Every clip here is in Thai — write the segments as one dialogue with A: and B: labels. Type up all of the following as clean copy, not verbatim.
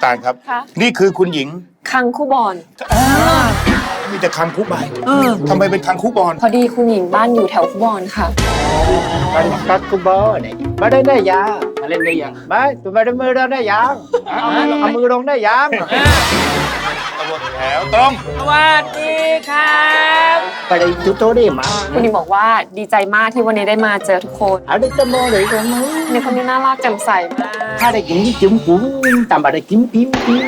A: าลครับ
B: ค่ะ
A: นี่คือคุณหญิง
B: คังคู่บอล
A: มีแต่คังคุกใบทำไมเป็นคังคุกบอล
B: พอดีคุณหญิงบ้านอยู่แถวคู่บอลค่ะ
C: มันกักกุบอเนี่ยมาได้ยังมาเล่นได้ยังมาตัวมาได้มือเราได้ยังเอามือลงได้ยัง
A: ตัวแถวตรง
D: สวัสดีครับ
C: ไปได้จุดโตได้มา
B: คุณหญิงบอกว่าดีใจมากที่วันนี้ได้มาเจอทุกคน
C: เอาได้ตะโมเลยตะโม
B: ในคนนี้น่ารักแจ่มใสมาก
C: ถ้าได้กินจิ้มกุ้งตามมาได้จิ้มปิ้มปิ้ม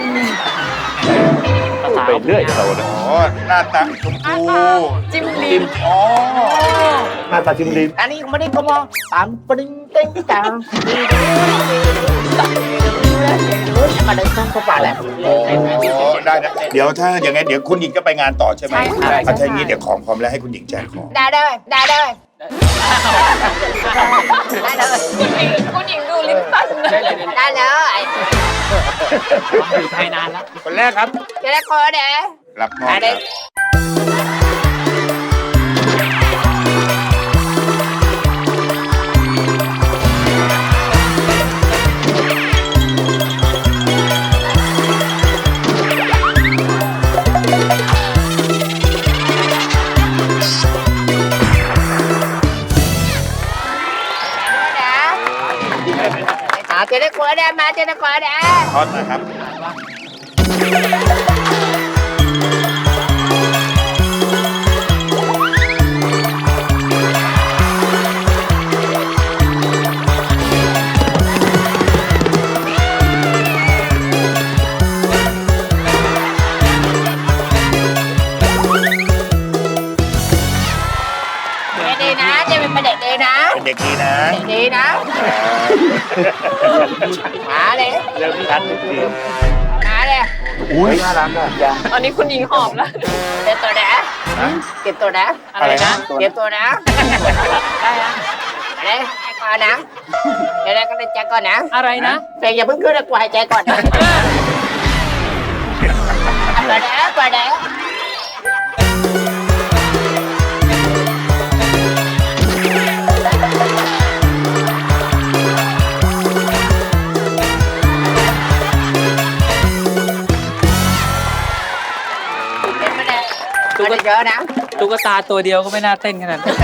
D: ไปเรื่อยเรา
A: อ๋อหน้าตาชมพู
B: จิ้มลิ้ม
A: อ๋อ
C: หน้าตาจิ้มลิ้มอันนี้ไม่ได้ก็มองตามปริ้งเต้งจังมาได้ต้องก็ป่าแหละ
A: อ๋อได้นะเดี๋ยวถ้าอย่างงั้นเดี๋ยวคุณหญิงก็ไปงานต่อใช่ไหมถ้าอย่างนี้เดี๋ยวของพร้อมแล้วให้คุณหญิงแจกของ
C: ได้เลยได้เลยได้เลย
B: คุณหญิงดูลิ้นสั่นนะ
C: ได้เลย
D: อยู่ไทยนานแล้ว
A: คนแรกครับ
C: จะได้คอเด้
A: รับมอบครับ
C: จะได้คอเด้มาจะได้คอเด้
A: ทอดนะครับ
C: ดีนะจะเป็นเด็กดีนะ
A: เป็นเด็กดีนะ
C: ดีนะมาเลย
D: เริ่มชัดจริง
C: มาเลย
A: อุ้ยน่ารักอ่ะ
B: ตอนนี้คุณหญิงหอมแล้ว
C: เก็บตัวนะเก็บตัวนะ
A: อะไรนะ
C: เก็บตัวนะได้อะอะไรให้ก่อนนะเดี๋ยวก็ได้ใจก่อนนะ
B: อะไรนะ
C: แต่อย่าเพิ่งขึ้นนะกูหายใจก่อนนะก่อนนะก่อนนะตุ๊กตาเยอะนะ
D: ตุ๊กตาตัวเดียวก็ไม่น่าเต้นขนาดนั้น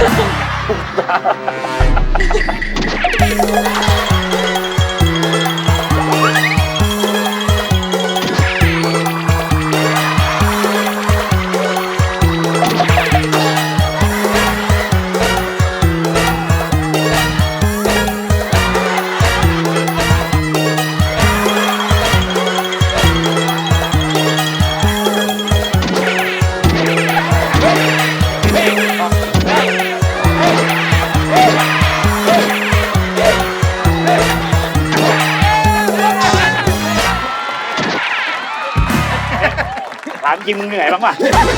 A: ถามจริงมึงเหนื่อยบ้างป่ะ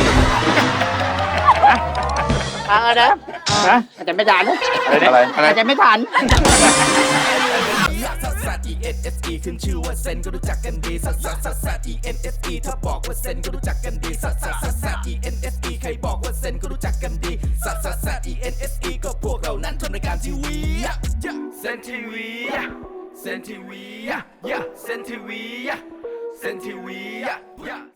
C: ฟังเอาเด้อฮะอาจจะไม่ทัน
A: อะไรอะไร
C: อาจจะไม่ทัน
E: ขึ้นชื่อว่าเซนก็รู้จักกันดีซัส E N S E ถ้าบอกว่าเซนก็รู้จักกันดีซัส E N S E ใครบอกว่าเซนก็รู้จักกันดีซัส E N S E ก็พวกเรานั้นทำรายการทีวีเซนทีวีเซนทีวีเซนทีวีเซนทีวี